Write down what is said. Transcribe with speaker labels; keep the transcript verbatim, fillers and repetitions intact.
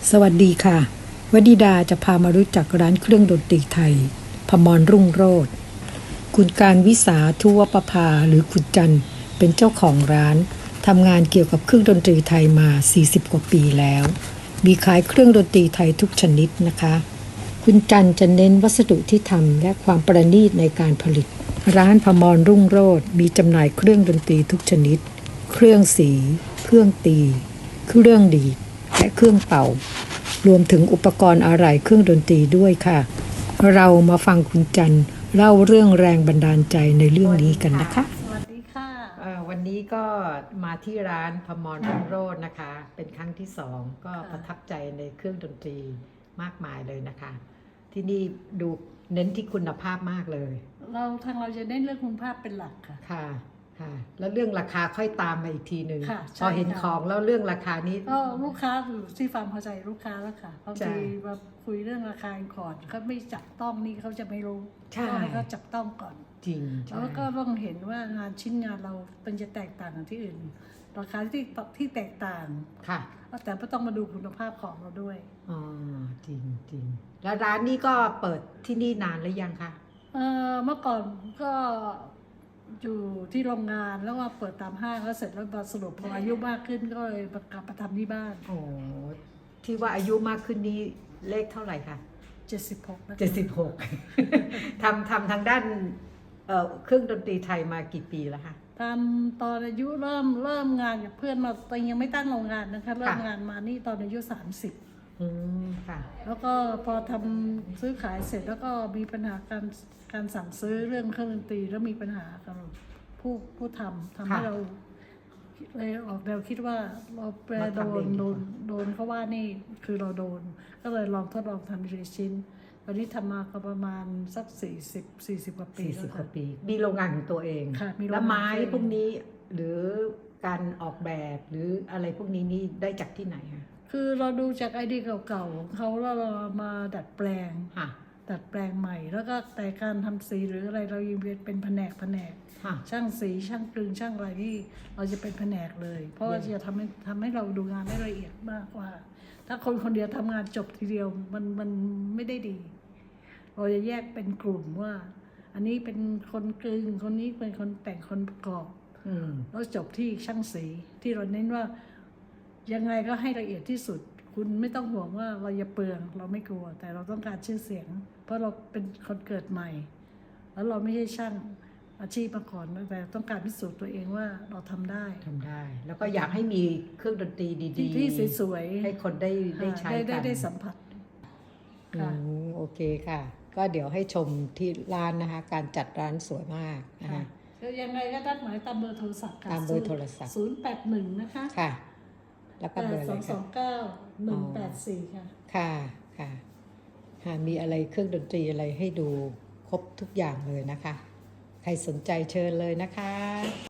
Speaker 1: สวัสดีค่ะวดีดาจะพามารู้จักร้านเครื่องดนตรีไทยพมรรุ่งโรจน์คุณการวิสาทุวประภาหรือคุณจันเป็นเจ้าของร้านทำงานเกี่ยวกับเครื่องดนตรีไทยมาสี่สิบกว่าปีแล้วมีขายเครื่องดนตรีไทยทุกชนิดนะคะคุณจันจะเน้นวัสดุที่ทำและความประณีตในการผลิตร้านพมรรุ่งโรจน์มีจำหน่ายเครื่องดนตรีทุกชนิดเครื่องสีเครื่องตีเครื่องดีดและเครื่องเป่ารวมถึงอุปกรณ์อะไหล่เครื่องดนตรีด้วยค่ะเรามาฟังคุณจันเล่าเรื่องแรงบันดาลใจในเรื่องนี้กันนะคะ
Speaker 2: สวัสดีค่ะ
Speaker 1: วันนี้ก็มาที่ร้านพมรรุ่งโรจน์นะคะเป็นครั้งที่สองก็ประทับใจในเครื่องดนตรีมากมายเลยนะคะที่นี่ดูเน้นที่คุณภาพมากเลย
Speaker 2: เราทางเราจะเน้นเรื่องคุณภาพเป็นหลักค่ะ
Speaker 1: ค่ะค่ะแล้วเรื่องราคาค่อยตามมาอีกทีหนึ่งพอเห็นข
Speaker 2: อ
Speaker 1: องแล้วเรื่องราคานี้
Speaker 2: ก็ลูกค้าอยู่ที่ฟาร์มพอใจลูกค้าแล้วค่ะบางทีมาคุยเรื่องราคาก่อนเขาไม่จับต้องนี่เขาจะไม่รู้ต้องให้เขาจับต้องก่อน
Speaker 1: จริง
Speaker 2: แล้วก็ต้องเห็นว่างานชิ้นงานเราเป็นจะแตกต่างจากที่อื่นราคาที่ที่แตกต่าง
Speaker 1: ค่ะ
Speaker 2: แต่ก็ต้องมาดูคุณภาพของเราด้วย
Speaker 1: อ๋อจริงจริงแล้วร้านนี้ก็เปิดที่นี่นานหรือยังคะ
Speaker 2: เออเมื่อก่อนก็อยู่ที่โรงงานแล้วว่าเปิดตามห้างแล้วเสร็จแล้วมาสรุปพออายุมากขึ้นก็เลยกลับมาทำที่บ้าน
Speaker 1: โอ้ที่ว่าอายุมากขึ้นนี้เลขเท่าไหร่คะ
Speaker 2: เจ็ดสิบหกนะ
Speaker 1: เจ็ดสิบหกทำทำทางด้านเอ่อเครื่องดนตรีไทยมากี่ปีแล้วคะ
Speaker 2: ทำตอนอายุเริ่มเริ่มงานกับเพื่อนมาตอนยังไม่ตั้งโรงงานนะคะเริ่มงานมานี่ตอนอายุสามสิบ
Speaker 1: อืมค่ะ
Speaker 2: แล้วก็พอทำซื้อขายเสร็จแล้วก็มีปัญหาการการสั่งซื้อเรื่องเครื่องดนตรีแล้วมีปัญหากับผู้ผู้ทำทำให้เราเลยออกแนวคิดว่าเราแปรโดนโดนโดนเขาว่านี่คือเราโดนก็เลยลองทดลองทำทีชิ้นตอนนี้ทำมาก็ประมาณสักสี่สิบสี่สิบกว่าปี
Speaker 1: สี่สิบกว่าปีมีโรงงานของตัวเอง
Speaker 2: แล้ว
Speaker 1: ไม้พวกนี้หรือการออกแบบหรืออะไรพวกนี้นี่ได้จากที่ไหนคะ
Speaker 2: คือเราดูจากไอเดียเก่าๆเขาแล้วเรามาดัดแปลงดัดแปลงใหม่แล้วก็แต่การทำสีหรืออะไรเรายังเป็นแผนกแผนกช่างสีช่างกลึงช่างอะไรที่เราจะเป็นแผนกเลยเพราะว่าจะทำให้ทำให้เราดูงานได้ละเอียดมากกว่าถ้าคนคนเดียวทำงานจบทีเดียวมันมันไม่ได้ดีเราจะแยกเป็นกลุ่มว่าอันนี้เป็นคนกลึงคนนี้เป็นคนแต่งคนประกอบแล้วจบที่ช่างสีที่เราเน้นว่ายังไงก็ให้ละเอียดที่สุดคุณไม่ต้องห่วงว่าเราจะเปลืองเราไม่กลัวแต่เราต้องการชื่อเสียงเพราะเราเป็นคนเกิดใหม่แล้วเราไม่ใช่ช่างอาชีพมาก่อนแต่ต้องการพิสูจน์ตัวเองว่าเราทำได้
Speaker 1: ทำได้แล้วก็อยากให้มีเครื่องดนตรีดี
Speaker 2: ๆที่สวย
Speaker 1: ๆให้คนได้ได้ใช้กัน
Speaker 2: ได้ได้สัมผัส
Speaker 1: ค่ะโอเคค่ะก็เดี๋ยวให้ชมที่ร้านนะคะการจัดร้านสวยมากนะคะ
Speaker 2: ยังไงก็ตั้งหมายตามเบอร์โทรศัพท์ค่ะ
Speaker 1: ตามเบอร์โทรศัพท์
Speaker 2: ศูนย์แปดหนึ่งนะคะ
Speaker 1: ค่ะแล้วก็เบอร์อะไรคะ
Speaker 2: สองสองเก้าหนึ่งแปดสี่ค่ะ
Speaker 1: ค่ะค่ะค่ะมีอะไรเครื่องดนตรีอะไรให้ดูครบทุกอย่างเลยนะคะใครสนใจเชิญเลยนะคะ